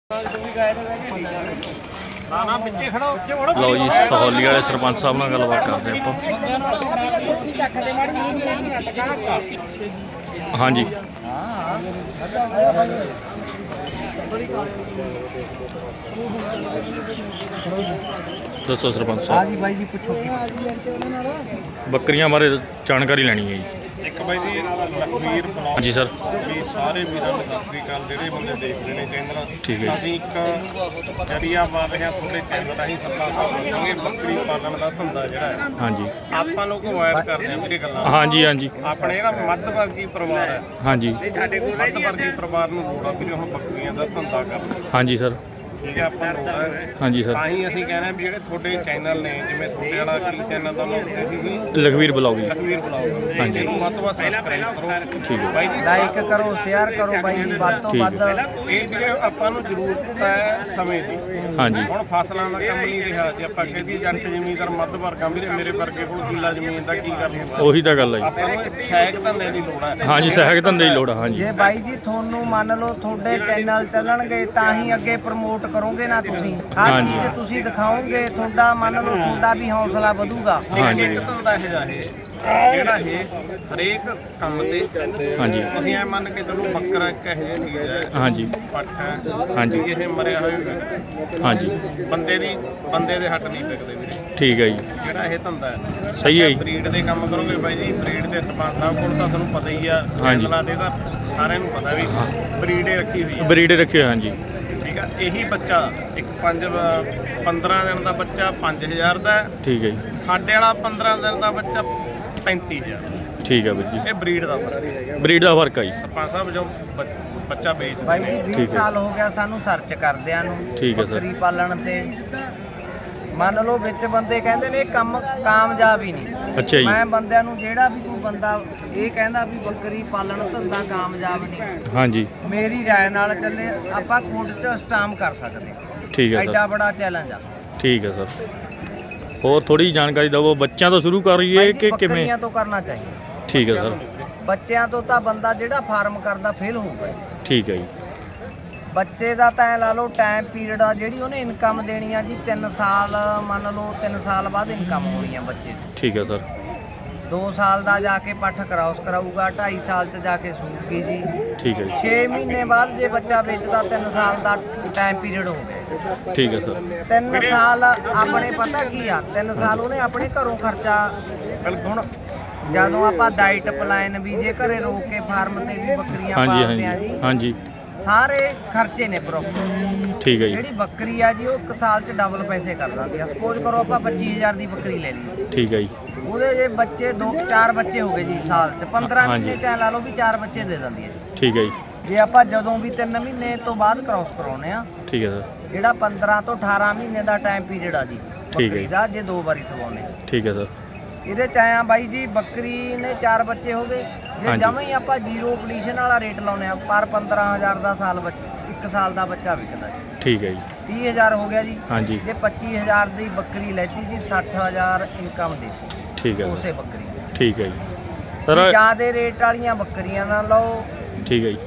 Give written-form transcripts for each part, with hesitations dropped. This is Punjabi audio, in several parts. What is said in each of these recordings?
ਲਓ ਜੀ ਸਹੌਲੀ ਵਾਲੇ ਸਰਪੰਚ ਸਾਹਿਬ ਨਾਲ ਗੱਲਬਾਤ ਕਰਦੇ ਆਪਾਂ। ਹਾਂਜੀ ਦੱਸੋ ਸਰਪੰਚ ਸਾਹਿਬ। ਬਾਈ ਜੀ ਪੁੱਛੋ। ਬੱਕਰੀਆਂ ਬਾਰੇ ਜਾਣਕਾਰੀ ਲੈਣੀ ਹੈ ਜੀ। ਇੱਕ ਬਾਈ ਜੀ ਲਖਵੀਰ ਬਲੌਗ। ਹਾਂਜੀ ਸਰ। ਵੀ ਸਾਰੇ ਵੀਰਾਂ ਨੂੰ ਸਤਿ ਸ੍ਰੀ ਅਕਾਲ। ਜਿਹੜੇ ਬੰਦੇ ਦੇਖਦੇ ਨੇ ਚੈਨਲ, ਠੀਕ ਹੈ। ਅਸੀਂ ਇੱਕ ਜਰੀਆ ਬਣ ਰਹੇ ਹਾਂ ਤੁਹਾਡੇ ਚੈਨਲ ਰਾਹੀਂ। ਸਰਪੰਚ ਸਾਹਿਬ ਦੱਸਾਂਗੇ ਬੱਕਰੀ ਪਾਲਣ ਦਾ ਧੰਦਾ ਜਿਹੜਾ ਹੈ ਹਾਂਜੀ ਆਪਾਂ ਲੋਕ ਅਵਾਇਡ ਕਰਦੇ ਹਾਂ ਵੀਰੇ ਗੱਲਾਂ। ਹਾਂਜੀ ਹਾਂਜੀ ਆਪਣੇ ਜਿਹੜਾ ਮੱਧ ਵਰਗੀ ਪਰਿਵਾਰ ਹੈ, ਹਾਂਜੀ ਮੱਧ ਵਰਗੀ ਪਰਿਵਾਰ ਨੂੰ ਲੋੜ ਆ ਵੀਰੇ ਹੁਣ ਬੱਕਰੀਆਂ ਦਾ ਧੰਦਾ ਕਰਨਾ। ਹਾਂਜੀ ਸਰ। ਠੀਕ ਹੈ, ਆਪਾਂ ਲੋੜ ਹੈ। ਹਾਂਜੀ ਸਰ। ਤਾਂ ਹੀ ਅਸੀਂ ਕਹਿੰਦੇ ਹਾਂ ਵੀ ਜਿਹੜੇ ਤੁਹਾਡੇ ਚੈਨਲ ਨੇ, ਜਿਵੇਂ ਤੁਹਾਡੇ ਵਾਲਾ ਕੀ ਚੈਨਲ ਦਾ ਨਾਮ ਦੱਸਿਆ ਸੀ ਵੀ ਲਖਵੀਰ ਬਲੌਗ ਜੀ। ਲਖਵੀਰ ਬਲੌਗ। ਹਾਂਜੀ। ਇਹਨੂੰ ਵੱਧ ਤੋਂ ਵੱਧ ਸਬਸਕ੍ਰਾਈਬ ਕਰੋ। ਠੀਕ ਹੈ। ਬਾਈ ਜੀ ਲਾਈਕ ਕਰੋ, ਸ਼ੇਅਰ ਕਰੋ ਬਾਈ ਜੀ, ਵੱਧ ਤੋਂ ਵੱਧ। ਇਹ ਵੀਰੇ ਆਪਾਂ ਨੂੰ ਜ਼ਰੂਰਤ ਹੈ ਸਮੇਂ ਦੀ। ਹਾਂਜੀ ਹੁਣ ਫਸਲਾਂ ਦਾ ਕੰਮ ਨਹੀਂ ਰਿਹਾ। ਜੇ ਆਪਾਂ ਕਹਦੇ ਜੱਟ ਜ਼ਮੀਨਦਾਰ ਮੱਧ ਵਰਗਾ ਵੀਰੇ, ਮੇਰੇ ਵਰਗੇ ਕੋਲ ਕਿੱਲਾ ਜ਼ਮੀਨ ਦਾ ਕੀ ਕਰ ਲੂਗਾ। ਉਹੀ ਤਾਂ ਗੱਲ ਹੈ ਜੀ। ਆਪਾਂ ਨੂੰ ਸਹਾਇਕ ਧੰਦੇ ਦੀ ਲੋੜ ਹੈ। ਹਾਂਜੀ ਸਹਾਇਕ ਧੰਦੇ ਦੀ ਲੋੜ ਆ। ਹਾਂਜੀ ਜੇ ਬਾਈ ਜੀ ਤੁਹਾਨੂੰ ਮੰਨ ਲਓ ਤੁਹਾਡੇ ਚੈਨਲ ਚੱਲਣਗੇ ਤਾਂ ਹੀ ਅੱਗੇ ਪ੍ਰਮੋਟ ਕਰੋਗੇ ਨਾ ਤੁਸੀਂ। ਹਰ ਹਾਂਜੀ। ਚੀਜ਼ ਤੁਸੀਂ ਦਿਖਾਓਗੇ, ਤੁਹਾਡਾ ਮੰਨ ਲਓ ਤੁਹਾਡਾ ਵੀ ਹੌਸਲਾ ਵਧੂਗਾ। ਹਾਂਜੀ। ਇੱਕ ਧੰਦਾ ਇਹ ਜਾ ਜਿਹੜਾ ਇਹ ਹਰੇਕ ਕੰਮ ਤੇ ਹਾਂਜੀ ਅਸੀਂ ਐ ਮੰਨ ਕੇ ਚਲੋ ਬੱਕਰਾ ਇੱਕ ਇਹੋ ਜਿਹੀ ਚੀਜ਼ ਹੈ, ਹਾਂਜੀ ਪੱਠ ਹੈ, ਹਾਂਜੀ। ਇਹ ਮਰਿਆ ਹੋਇਆ ਹਾਂਜੀ ਬੰਦੇ ਦੇ ਹੱਟ ਨਹੀਂ ਵਿਕਦੇ ਵੀਰੇ। ਠੀਕ ਹੈ ਜੀ। ਜਿਹੜਾ ਇਹ ਧੰਦਾ ਹੈ ਸਹੀ ਹੈ ਜੀ। ਬਰੀਡ ਦੇ ਕੰਮ ਕਰੋਗੇ ਬਾਈ ਜੀ, ਬਰੀਡ ਦੇ ਸਰਪੰਚ ਸਾਹਿਬ ਕੋਲ ਤਾਂ ਤੁਹਾਨੂੰ ਪਤਾ ਹੀ ਆ। ਹਾਂਜੀ। ਚੈਨਲਾਂ ਦੇ ਤਾਂ ਸਾਰਿਆਂ ਨੂੰ ਪਤਾ ਵੀ ਬਰੀਡ ਰੱਖੀ ਹੋਈ ਹੈ। ਬਰੀਡ ਰੱਖੇ ਹੋਏ। ਹਾਂਜੀ ਠੀਕ ਆ। ਇਹੀ ਬੱਚਾ ਇੱਕ 15 ਦਿਨ ਦਾ ਬੱਚਾ 5000 ਦਾ ਹੈ। ਠੀਕ ਹੈ ਜੀ। ਸਾਡੇ ਵਾਲਾ 15 ਦਿਨ ਦਾ ਬੱਚਾ 35000। ਠੀਕ ਹੈ ਵੀਰ ਜੀ। ਇਹ ਬਰੀਡ ਦਾ ਫਰਕ ਹੈ। ਬਰੀਡ ਦਾ ਫਰਕ ਆ ਜੀ। ਸਰਪੰਚ ਸਾਹਿਬ ਜੋ ਬੱਚਾ ਵੇਚਦੇ ਬਾਈ ਜੀ 20 ਠੀਕ ਹੈ। ਸਾਲ ਹੋ ਗਿਆ ਸਾਨੂੰ ਸਰਚ ਕਰਦਿਆਂ ਨੂੰ ਠੀਕ ਹੈ ਸਰ। ਬੱਕਰੀ ਪਾਲਣ ਤੇ। ਮੰਨ ਲਓ ਵਿੱਚ ਬੰਦੇ ਕਹਿੰਦੇ ਨੇ ਇਹ ਕੰਮ ਕਾਮਯਾਬ ਹੀ ਨਹੀਂ। ਅੱਛਾ ਜੀ। ਮੈਂ ਬੰਦਿਆਂ ਨੂੰ ਜਿਹੜਾ ਵੀ ਕੋਈ ਬੰਦਾ ਇਹ ਕਹਿੰਦਾ ਵੀ ਬੱਕਰੀ ਪਾਲਣ ਧੰਦਾ ਕਾਮਯਾਬ ਨਹੀਂ, ਹਾਂਜੀ ਮੇਰੀ ਰਾਏ ਨਾਲ ਚੱਲੇ ਆਪਾਂ ਕੋਰਟ 'ਚ ਸਟਾਮ ਕਰ ਸਕਦੇ ਹਾਂ। ਠੀਕ ਹੈ ਐਡਾ ਸਰ। ਬੜਾ ਚੈਲੰਜ ਆ। ਠੀਕ ਹੈ ਸਰ। ਹੋਰ ਥੋੜੀ ਜਾਣਕਾਰੀ ਦਿਓ। ਬੱਚਿਆਂ ਤੋਂ ਸ਼ੁਰੂ ਕਰੀਏ ਬਾਈ ਜੀ, ਕਿ ਕਿਵੇਂ? ਬੱਕਰੀਆਂ ਤੋਂ ਕਰਨਾ ਚਾਹੀਦਾ। ਠੀਕ ਹੈ ਸਰ। ਬੱਚਿਆਂ ਤੋਂ ਤਾਂ ਬੰਦਾ ਜਿਹੜਾ ਫਾਰਮ ਕਰਦਾ ਫੇਲ ਹੋਊਗਾ। ਠੀਕ ਹੈ ਜੀ। ਬੱਚੇ ਦਾ ਤਾਂ ਐ ਲਾ ਲਓ ਟਾਈਮ ਪੀਰੀਅਡ ਆ, ਜਿਹੜੀ ਉਹਨੇ ਇਨਕਮ ਦੇਣੀ ਆ ਜੀ 3 ਸਾਲ। ਮੰਨ ਲਓ 3 ਸਾਲ ਬਾਅਦ ਇਨਕਮ ਹੋਣੀ ਆ ਬੱਚੇ ਦੀ। ਠੀਕ ਹੈ ਸਰ। 2 ਸਾਲ ਦਾ ਜਾ ਕੇ ਪੱਠ ਕਰਾਉਸ ਕਰਾਊਗਾ, 2.5 ਸਾਲ 'ਚ ਜਾ ਕੇ ਸੂਗੀ ਜੀ। ਠੀਕ ਹੈ ਜੀ। 6 ਮਹੀਨੇ ਬਾਅਦ ਜੇ ਬੱਚਾ ਵੇਚਦਾ 3 ਸਾਲ ਦਾ ਟਾਈਮ ਪੀਰੀਅਡ ਹੋ ਗਿਆ। ਠੀਕ ਹੈ ਸਰ। 3 ਸਾਲ ਆਪਣੇ ਪਤਾ ਕੀ ਆ, 3 ਸਾਲ ਉਹਨੇ ਆਪਣੇ ਘਰੋਂ ਖਰਚਾ। ਹੁਣ ਜਦੋਂ ਆਪਾਂ ਡਾਈਟ ਪਲਾਨ ਵੀ ਜੇ ਘਰੇ ਰੋਕ ਕੇ ਫਾਰਮ ਤੇ ਵੀ ਬੱਕਰੀਆਂ ਹਾਂਜੀ ਪਾਲਦੇ ਆ ਹਾਂਜੀ ਜੀ, ਹਾਂਜੀ ਸਾਰੇ ਖਰਚੇ ਨੇ ਪ੍ਰੋਪਰ। ਠੀਕ ਹੈ ਜੀ। ਜਿਹੜੀ ਬੱਕਰੀ ਆ ਜੀ ਉਹ 1 ਸਾਲ 'ਚ ਡਬਲ ਪੈਸੇ ਕਰ ਦਿੰਦੀ ਆ। ਸਪੋਜ਼ ਕਰੋ ਆਪਾਂ 25000 ਦੀ ਬੱਕਰੀ ਲੈ ਲਈ, ਠੀਕ ਹੈ ਜੀ। ਉਹਦੇ ਜੇ ਬੱਚੇ 4 ਬੱਚੇ ਹੋ ਗਏ ਜੀ ਸਾਲ 'ਚ, 15 ਹਾਂਜੀ। ਮਹੀਨੇ 'ਚ ਐਂ ਲਾ ਲਓ ਵੀ 4 ਬੱਚੇ ਦੇ ਦਿੰਦੀ ਹੈ ਜੀ। ਠੀਕ ਹੈ ਜੀ। ਜੇ ਆਪਾਂ ਜਦੋਂ ਵੀ 3 ਮਹੀਨੇ ਤੋਂ ਬਾਅਦ ਕ੍ਰਾਸ ਕਰਾਉਨੇ ਆ, ਠੀਕ ਹੈ ਸਰ। ਜਿਹੜਾ 15 ਤੋਂ 18 ਮਹੀਨੇ ਦਾ ਟਾਈਮ ਪੀਰੀਅਡ ਆ ਜੀ ਠੀਕ ਹੈ। ਬੱਕਰੀ ਦਾ, ਜੇ 2 ਵਾਰੀ ਸਵਾਉਨੇ ਆ। ਠੀਕ ਹੈ ਸਰ। ਇਹਦੇ 'ਚ ਆਇਆ ਬਾਈ ਜੀ ਬੱਕਰੀ ਨੇ 4 ਬੱਚੇ ਹੋ ਗਏ। ਜੇ ਹਾਂਜੀ। ਜਮਾਂ ਹੀ ਆਪਾਂ ਜ਼ੀਰੋ ਕੰਡੀਸ਼ਨ ਵਾਲਾ ਰੇਟ ਲਾਉਨੇ ਆ, ਪਰ 15000 ਦਾ ਸਾਲ 1 ਸਾਲ ਦਾ ਬੱਚਾ ਵਿਕਦਾ ਜੀ। ਠੀਕ ਹੈ ਜੀ। 30000 ਹੋ ਗਿਆ ਜੀ। ਹਾਂਜੀ ਜੇ 25000 ਦੀ ਬੱਕਰੀ ਲੈਤੀ ਜੀ, 60000 ਇਨਕਮ ਦੇ ਠੀਕ ਹੈ ਉਸੇ ਸਰ। ਬੱਕਰੀ ਦੀ। ਠੀਕ ਹੈ ਜੀ ਸਰ। ਜ਼ਿਆਦੇ ਰੇਟ ਵਾਲੀਆਂ ਬੱਕਰੀਆਂ ਨਾ ਲਓ। ਠੀਕ ਹੈ ਜੀ।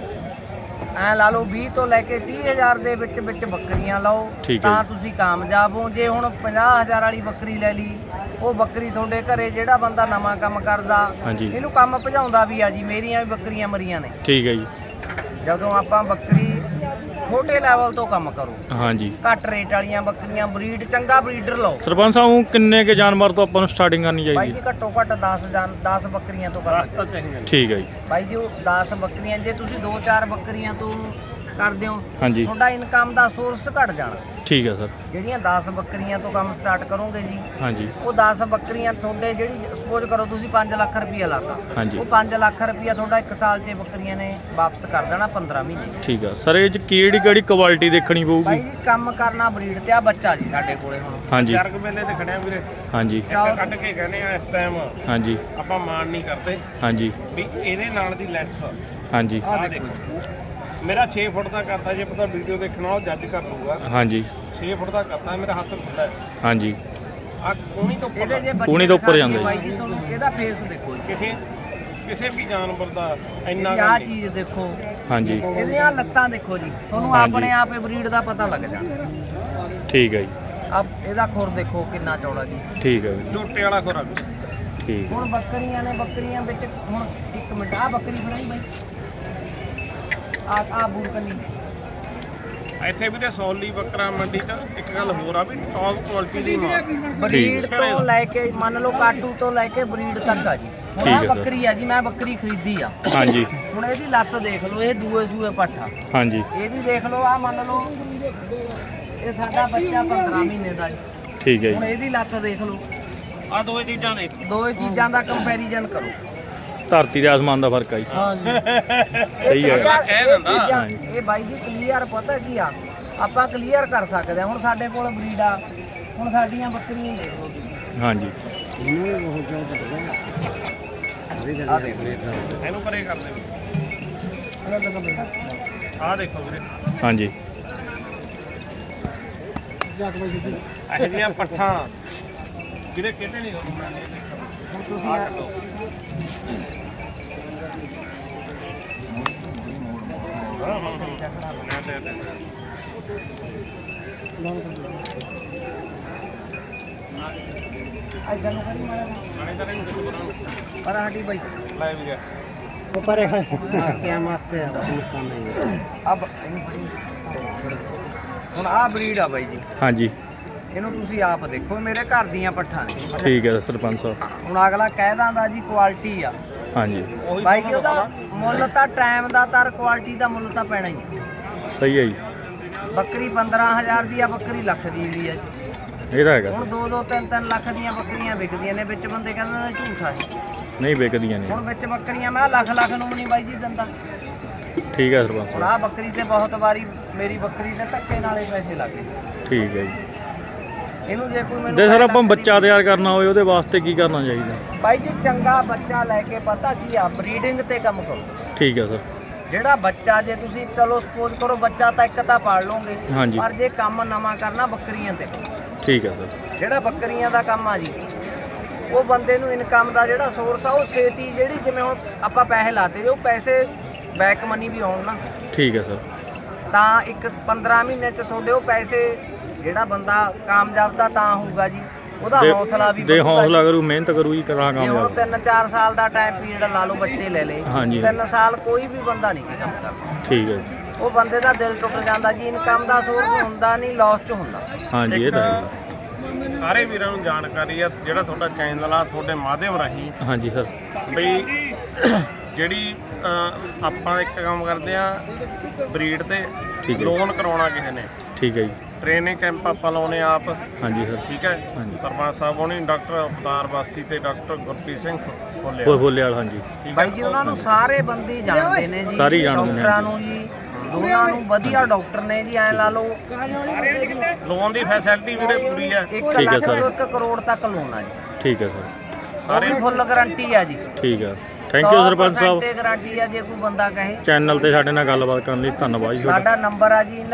ਐ ਲਾ ਲਓ 20 ਤੋਂ ਲੈ ਕੇ 30000 ਦੇ ਵਿੱਚ ਬੱਕਰੀਆਂ ਲਾਓ, ਠੀਕ ਹੈ ਤਾਂ ਜੀ। ਤੁਸੀਂ ਕਾਮਯਾਬ ਹੋ। ਜੇ ਹੁਣ 50000 ਵਾਲੀ ਬੱਕਰੀ ਲੈ ਲਈ, ਉਹ ਬੱਕਰੀ ਤੁਹਾਡੇ ਘਰੇ ਜਿਹੜਾ ਬੰਦਾ ਨਵਾਂ ਕੰਮ ਕਰਦਾ ਹਾਂਜੀ। ਇਹਨੂੰ ਕੰਮ ਭਜਾਉਂਦਾ ਵੀ ਆ ਜੀ। ਮੇਰੀਆਂ ਵੀ ਬੱਕਰੀਆਂ ਮਰੀਆਂ ਨੇ। ਠੀਕ ਹੈ ਜੀ। ਜਦੋਂ ਆਪਾਂ ਬੱਕਰੀ ਛੋਟੇ ਲੈਵਲ ਤੋਂ ਕੰਮ ਕਰੋ, ਹਾਂਜੀ। ਘੱਟ ਰੇਟ ਵਾਲੀਆਂ ਬੱਕਰੀਆਂ, ਬਰੀਡ ਚੰਗਾ ਬਰੀਡਰ ਲਓ। ਸਰਪੰਚ ਸਾਹਿਬ ਕਿੰਨੇ ਕੇ ਜਾਨਵਰ ਤੋਂ ਆਪਾਂ ਨੂੰ ਸਟਾਰਟਿੰਗ ਕਰਨੀ ਬਾਈ ਚਾਹੀਦੀ ਜੀ ਹੈ? ਘੱਟੋ ਘੱਟ 10 ਬੱਕਰੀਆਂ ਤੋਂ ਕਰਨਾ ਰਸਤਾ ਚਾਹੀਦਾ। ਠੀਕ ਹੈ ਜੀ। ਬਾਈ ਜੀ ਉਹ 10 ਬੱਕਰੀਆਂ, ਜੇ ਤੁਸੀਂ 2-4 ਬੱਕਰੀਆਂ ਤੋਂ ਕਰਦੇ ਹੋ, ਹਾਂਜੀ। ਤੁਹਾਡਾ ਇਨਕਮ ਦਾ ਸੋਰਸ ਘਟ ਜਾਣਾ। ਠੀਕ ਹੈ ਸਰ। ਜਿਹੜੀਆਂ 10 ਬੱਕਰੀਆਂ ਤੋਂ ਕੰਮ ਸਟਾਰਟ ਕਰੋਗੇ ਜੀ, ਹਾਂਜੀ ਉਹ 10 ਬੱਕਰੀਆਂ ਤੁਹਾਡੇ, ਜਿਹੜੀ ਸਪੋਜ਼ ਕਰੋ ਤੁਸੀਂ 5 ਲੱਖ ਰੁਪਈਆ ਲਾਤਾ, ਹਾਂਜੀ। ਉਹ 5 ਲੱਖ ਰੁਪਈਆ ਤੁਹਾਡਾ 1 ਸਾਲ 'ਚ ਬੱਕਰੀਆਂ ਨੇ ਵਾਪਸ ਕਰ ਦੇਣਾ 15 ਮਹੀਨੇ। ਠੀਕ ਹੈ ਸਰ। ਇਹ 'ਚ ਕਿਹੜੀ ਕਿਹੜੀ ਕੁਆਲਿਟੀ ਦੇਖਣੀ ਬਾਈ ਪਊਗੀ? ਜੀ ਕੰਮ ਕਰਨਾ ਬਰੀਡ ਤੇ ਆ। ਬੱਚਾ ਜੀ ਸਾਡੇ ਕੋਲੇ ਹੁਣ ਹਾਂਜੀ ਜਰਗ ਮੇਲੇ ਤੇ ਖੜਿਆ ਵੀਰੇ, ਹਾਂਜੀ ਇੱਕ ਕੱਢ ਕੇ ਕਹਿੰਦੇ ਆ ਇਸ ਟਾਈਮ ਹਾਂਜੀ ਆਪਾਂ ਮਾਣ ਨਹੀਂ ਕਰਦੇ ਹਾਂਜੀ ਵੀ ਇਹਦੇ ਨਾਲ ਦੀ ਲੈਂਥ ਹਾਂਜੀ ਆ ਦੇਖੋ ਮੇਰਾ 6 ਫੁੱਟ ਦਾ ਕਰਦਾ। ਜੇ ਪਤਾ ਵੀਡੀਓ ਦੇਖਣਾ ਉਹ ਜੱਜ ਕਰ ਲੂਗਾ। ਹਾਂਜੀ 6 ਫੁੱਟ ਦਾ ਕਰਦਾ, ਮੇਰਾ ਹੱਥ ਖੁੱਲਾ ਹੈ। ਹਾਂਜੀ। ਆ ਕੋਣੀ ਤੋਂ ਉੱਪਰ ਇਹਦੇ ਜੇ ਪੂਣੀ ਤੋਂ ਉੱਪਰ ਦਿਖਾ ਜਾਂਦਾ ਦਈਏ ਜੀ। ਬਾਈ ਜੀ ਤੁਹਾਨੂੰ ਇਹਦਾ ਫੇਸ ਦੇਖੋ ਜੀ। ਕਿਸੇ ਕਿਸੇ ਵੀ ਜਾਨਵਰ ਦਾ ਇੰਨਾ ਆਹ ਚੀਜ਼ ਦੇਖੋ, ਹਾਂਜੀ ਇਹਦੀਆਂ ਲੱਤਾਂ ਦੇਖੋ ਜੀ, ਤੁਹਾਨੂੰ ਹਾਂਜੀ। ਆਪਣੇ ਆਪ ਹੀ ਬਰੀਡ ਦਾ ਪਤਾ ਲੱਗ ਜਾਣਾ। ਠੀਕ ਹੈ ਜੀ, ਆ ਇਹਦਾ ਖੁਰ ਦੇਖੋ ਕਿੰਨਾ ਚੌੜਾ ਜੀ। ਠੀਕ ਹੈ ਜੀ, ਝੋਟੇ ਵਾਲਾ ਖੁਰਾਕ। ਠੀਕ ਹੈ। ਹੁਣ ਬੱਕਰੀਆਂ ਨੇ, ਬੱਕਰੀਆਂ ਵਿੱਚ ਹੁਣ ਇੱਕ ਮਿੰਟ, ਆ ਬੱਕਰੀ ਫੜਾਈ ਬਾਈ, ਆ ਬੂਰਕਨੀ ਇੱਥੇ ਵੀਰੇ ਸੌਲੀ ਬੱਕਰਾ ਮੰਡੀ 'ਚ ਇੱਕ ਗੱਲ ਹੋਰ ਆ ਵੀ ਟੌਪ ਕੁਆਲਿਟੀ ਦੀ ਮਾਲ ਬਰੀਡ ਤੋਂ ਲੈ ਕੇ ਮੰਨ ਲਓ ਕਾਟੂ ਤੋਂ ਲੈ ਕੇ ਬਰੀਡ ਤੱਕ ਆ ਜੀ। ਹੁਣ ਠੀਕ ਆ ਹੈ ਸਰ। ਬੱਕਰੀ ਆ ਜੀ, ਮੈਂ ਬੱਕਰੀ ਖਰੀਦੀ ਆ। ਹਾਂਜੀ ਹੁਣ ਇਹਦੀ ਲੱਤ ਦੇਖ ਲਓ, ਇਹ ਦੂਏ ਸੂਏ ਪੱਠਾ। ਹਾਂਜੀ ਇਹਦੀ ਦੇਖ ਲਓ, ਆ ਮੰਨ ਲਓ ਇਹ ਸਾਡਾ ਬੱਚਾ 15 ਮਹੀਨੇ ਦਾ ਜੀ। ਠੀਕ ਹੈ ਹੁਣ ਜੀ, ਇਹਦੀ ਲੱਤ ਦੇਖ ਲਓ, ਆ ਦੋਏ ਚੀਜ਼ਾਂ ਦੇ ਦੋਏ ਚੀਜ਼ਾਂ ਦਾ ਕੰਪੈਰੀਜ਼ਨ ਕਰੋ। ਧਰਤੀ ਦੇ ਆਸਮਾਨ ਦਾ ਫਰਕ ਆ ਜੀ। ਹਾਂਜੀ ਸਹੀ ਹੈ। ਕਹਿ ਦਿੰਦਾ। ਇਹ ਬਾਈ ਜੀ ਕਲੀਅਰ ਪਤਾ ਕੀ ਆ, ਆਪਾਂ ਕਲੀਅਰ ਕਰ ਸਕਦੇ ਹਾਂ। ਹੁਣ ਸਾਡੇ ਕੋਲ ਬਰੀਡ ਆ, ਹੁਣ ਸਾਡੀਆਂ ਬੱਕਰੀਆਂ ਦੇਖ ਲਓ ਤੁਸੀਂ, ਹਾਂਜੀ ਆ ਦੇਖ ਲਓ, ਇਹਨੂੰ ਪਰੇ ਕਰ ਦੇ। ਆ ਦੇਖੋ ਵੀਰੇ, ਹਾਂਜੀ ਇਹੋ ਜਿਹੀਆਂ ਪੱਠਾਂ ਵੀਰੇ ਕਿਤੇ ਨਹੀਂ ਤੁਹਾਨੂੰ ਮਿਲਣੀਆਂ। ਹੁਣ ਤੁਸੀਂ ਆ ਕੱਢੋ। ਇੱਧਰ ਨੂੰ ਕਰੀ ਮਾੜਾ ਜਿਹਾ। ਪਰ ਸਾਡੀ ਬਾਈ ਲੈ ਵੀਰੇ ऊपर है क्या मस्त है हिंदुस्तान में। अब ਹੁਣ ਆਹ ਬਰੀਡ ਆ ਬਾਈ ਜੀ, ਹਾਂਜੀ ਇਹਨੂੰ ਤੁਸੀਂ ਆਪ ਦੇਖੋ, ਮੇਰੇ ਘਰ ਦੀਆਂ ਪੱਠਾਂ ਨੇ। ਠੀਕ ਹੈ ਸਰਪੰਚ ਸਾਹਿਬ। ਹੁਣ ਅਗਲਾ ਕਹਿ ਦਿੰਦਾ ਜੀ ਕੁਆਲਿਟੀ ਆ, ਹਾਂਜੀ ਬਾਈ ਜੀ ਉਹਦਾ ਮੁੱਲ ਤਾਂ ਟਾਈਮ ਦਾ ਤਾਂ ਕੁਆਲਿਟੀ ਦਾ ਮੁੱਲ ਤਾਂ ਪੈਣਾ ਹੀ। ਸਹੀ ਹੈ ਜੀ, ਬੱਕਰੀ 15,000 ਦੀ ਆ, ਬੱਕਰੀ ਲੱਖ ਦੀ ਵੀ ਆ ਜੀ। ਇਹ ਤਾਂ ਹੈਗਾ ਹੁਣ 2-2 3-3 ਲੱਖ ਦੀਆਂ ਬੱਕਰੀਆਂ ਵਿਕਦੀਆਂ ਨੇ, ਵਿੱਚ ਬੰਦੇ ਕਹਿੰਦੇ ਨੇ ਝੂਠ ਆ ਜੀ। ਨਹੀਂ ਵਿਕਦੀਆਂ ਨੇ। ਹੁਣ ਵਿੱਚ ਬੱਕਰੀਆਂ ਮੈਂ ਲੱਖ ਨੂੰ ਨਹੀਂ ਬਾਈ ਜੀ ਦਿੰਦਾ। ਠੀਕ ਹੈ ਸਰਪੰਚ ਹੁਣ ਸਾਹਿਬ, ਆਹ ਬੱਕਰੀ ਤੇ ਬਹੁਤ ਵਾਰੀ ਮੇਰੀ ਬੱਕਰੀ ਤੇ ਧੱਕੇ ਨਾਲੇ ਪੈਸੇ ਲੱਗੇ। ਠੀਕ ਹੈ ਜੀ। ਇਹਨੂੰ ਜੇ ਕੋਈ ਮੈਨੂੰ ਜੇ ਸਰ ਕਹਿ ਆਪਾਂ ਲੱਖ ਬੱਚਾ ਤਿਆਰ ਕਰਨਾ ਹੋਵੇ ਉਹਦੇ ਵਾਸਤੇ ਕੀ ਕਰਨਾ ਚਾਹੀਦਾ? ਬਾਈ ਜੀ ਚੰਗਾ ਬੱਚਾ ਲੈ ਕੇ ਪਤਾ ਕੀ ਆ, ਬਰੀਡਿੰਗ ਤੇ ਕੰਮ ਕਰੋ। ਠੀਕ ਹੈ ਸਰ। ਜਿਹੜਾ ਬੱਚਾ, ਜੇ ਤੁਸੀਂ ਚਲੋ ਸਪੋਜ਼ ਕਰੋ ਬੱਚਾ ਤਾਂ ਇੱਕ ਤਾਂ ਪਾਲ ਲਓਗੇ, ਹਾਂਜੀ। ਪਰ ਜੇ ਕੰਮ ਨਵਾਂ ਕਰਨਾ ਬੱਕਰੀਆਂ ਤੇ ਕਰੋ। ਠੀਕ ਹੈ ਸਰ। ਜਿਹੜਾ ਬੱਕਰੀਆਂ ਦਾ ਕੰਮ ਆ ਜੀ, ਉਹ ਬੰਦੇ ਨੂੰ ਇਨਕਮ ਦਾ ਜਿਹੜਾ ਸੋਰਸ ਆ ਉਹ ਛੇਤੀ, ਜਿਹੜੀ ਜਿਵੇਂ ਹੁਣ ਆਪਾਂ ਪੈਸੇ ਲਾਤੇ, ਉਹ ਪੈਸੇ ਬੈਕ ਮਨੀ ਵੀ ਆਉਣ ਨਾ, ਠੀਕ ਹੈ ਸਰ। ਤਾਂ ਇੱਕ 15 ਮਹੀਨੇ ਚ ਤੁਹਾਡੇ ਉਹ ਪੈਸੇ, ਜਿਹੜਾ ਬੰਦਾ ਕਾਮਯਾਬ ਦਾ ਤਾਂ ਹੋਊਗਾ ਜੀ, ਉਹਦਾ ਹੌਸਲਾ ਵੀ ਦੇ ਵਧੂਗਾ ਹੌਸਲਾ ਜੀ। ਕਰੂ, ਮਿਹਨਤ ਕਰੂ ਜੀ, ਕਰਾਂ ਜੇ ਹੁਣ ਕਾਮਯਾਬ। 3-4 ਸਾਲ ਦਾ ਟਾਈਮ ਪੀਰੀਅਡ ਲਾ ਲਓ, ਬੱਚੇ ਲੈ ਲੇ, ਹਾਂਜੀ। 3 ਸਾਲ ਕੋਈ ਵੀ ਬੰਦਾ ਨਹੀਂ ਕੰਮ ਕਰਦਾ, ਠੀਕ ਹੈ ਜੀ। ਉਹ ਬੰਦੇ ਦਾ ਦਿਲ ਟੁੱਟ ਜਾਂਦਾ ਜੀ। ਇਨਕਮ ਦਾ ਸੋਰਸ ਹੁੰਦਾ ਨਹੀਂ, ਲਾਸ ਚ ਹੁੰਦਾ। ਹਾਂਜੀ ਇਹ ਤਾਂ ਹੈ। ਸਾਰੇ ਵੀਰਾਂ ਨੂੰ ਜਾਣਕਾਰੀ ਆ, ਜਿਹੜਾ ਤੁਹਾਡਾ ਚੈਨਲ ਆ ਤੁਹਾਡੇ ਮਾਧਿਅਮ ਰਾਹੀਂ ਹਾਂਜੀ ਸਰ। ਬਈ ਜਿਹੜੀ ਆਪਾਂ ਇੱਕ ਕੰਮ ਕਰਦੇ ਆ ਬਰੀਡ ਤੇ ਠੀਕ ਹੈ। ਲੋਨ ਕਰਾਉਣਾ ਕਿਸੇ ਨੇ, ਠੀਕ ਹੈ ਜੀ। ਟ੍ਰੇਨਿੰਗ ਕੈਂਪ ਆਪਾਂ ਲਾਉਨੇ ਆਪ, ਹਾਂਜੀ ਸਰ। ਠੀਕ ਹੈ। ਹਾਂਜੀ। ਸਰਪੰਚ ਸਾਹਿਬ ਹੋਣੀ, ਡਾਕਟਰ ਅਵਤਾਰ ਵਾਸੀ ਤੇ ਡਾਕਟਰ ਗੁਰਪ੍ਰੀਤ ਸਿੰਘ ਫੁੱਲੇ, ਬੋਲੇ ਵਾਲ, ਹਾਂਜੀ ਠੀਕ ਬਾਈ ਹੈ। ਜੀ ਉਹਨਾਂ ਨੂੰ ਸਾਰੇ ਬੰਦੇ ਜਾਣਦੇ ਨੇ ਜੀ, ਸਾਰੇ ਜਾਣਦੇ ਨੇ। ਡਾਕਟਰਾਂ ਨੂੰ ਜੀ, ਦੋਨਾਂ ਨੂੰ ਵਧੀਆ ਡਾਕਟਰ ਨੇ ਜੀ। ਐ ਲਾ ਲਓ ਲੋਨ ਦੀ ਫੈਸਿਲਿਟੀ ਵੀਰੇ ਪੂਰੀ ਹੈ। 1 ਠੀਕ ਹੈ ਲੱਖ ਸਰ। ਤੋਂ 1 ਕਰੋੜ ਤੱਕ ਲੋਨ ਆ ਜੀ, ਠੀਕ ਹੈ ਸਰ। ਸਾਰੇ ਫੁੱਲ ਗਾਰੰਟੀ ਆ ਜੀ। ਠੀਕ ਹੈ। ਥੈਂਕ ਯੂ ਸਰਪੰਚ ਸਾਹਿਬ। 100% ਗਾਰੰਟੀ ਆ ਜੇ ਕੋਈ ਬੰਦਾ ਕਹੇ। ਚੈਨਲ ਤੇ ਸਾਡੇ ਨਾਲ ਗੱਲਬਾਤ ਕਰਨ ਲਈ ਧੰਨਵਾਦ ਜੀ ਤੁਹਾਡਾ। ਸਾਡਾ ਨੰਬਰ ਆ ਜੀ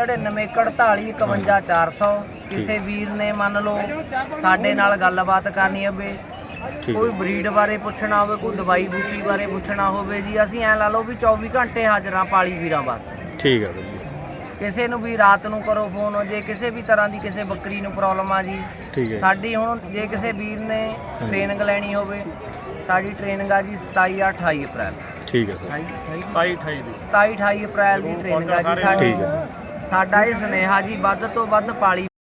9941451400। ਕਿਸੇ ਵੀਰ ਨੇ ਮੰਨ ਲਓ ਸਾਡੇ ਨਾਲ ਗੱਲਬਾਤ ਕਰਨੀ ਹੋਵੇ, ਠੀਕ ਕੋਈ ਹੈ। ਬਰੀਡ ਬਾਰੇ ਪੁੱਛਣਾ ਹੋਵੇ, ਕੋਈ ਦਵਾਈ ਬੂਟੀ ਬਾਰੇ ਪੁੱਛਣਾ ਹੋਵੇ ਜੀ, ਅਸੀਂ ਐ ਲਾ ਲਓ ਵੀ 24 ਘੰਟੇ ਹਾਜ਼ਰਾਂ ਪਾਲੀ ਵੀਰਾਂ ਵਾਸਤੇ। ਠੀਕ ਹੈ ਜੀ। ਕਿਸੇ ਨੂੰ ਵੀ ਰਾਤ ਨੂੰ ਕਰੋ ਫੋਨ, ਜੇ ਕਿਸੇ ਵੀ ਤਰ੍ਹਾਂ ਦੀ ਕਿਸੇ ਬੱਕਰੀ ਨੂੰ ਪ੍ਰੋਬਲਮ ਆ ਜੀ। ਠੀਕ ਹੈ। ਸਾਡੀ ਹੁਣ ਜੇ ਕਿਸੇ ਵੀਰ ਨੇ ਟ੍ਰੇਨਿੰਗ ਲੈਣੀ ਹੋਵੇ, ਸਾਡੀ ਟ੍ਰੇਨਿੰਗ ਆ ਜੀ 27-28 ਅਪ੍ਰੈਲ। ਠੀਕ ਹੈ ਸਰ। 27-28 ਦੀ 27-28 ਅਪ੍ਰੈਲ ਦੀ ਟ੍ਰੇਨਿੰਗ ਆ ਜੀ ਸਾਡੀ। ਠੀਕ ਹੈ। ਸਾਡਾ ਇਹ ਸੁਨੇਹਾ ਜੀ, ਵੱਧ ਤੋਂ ਵੱਧ ਪਾਲੀ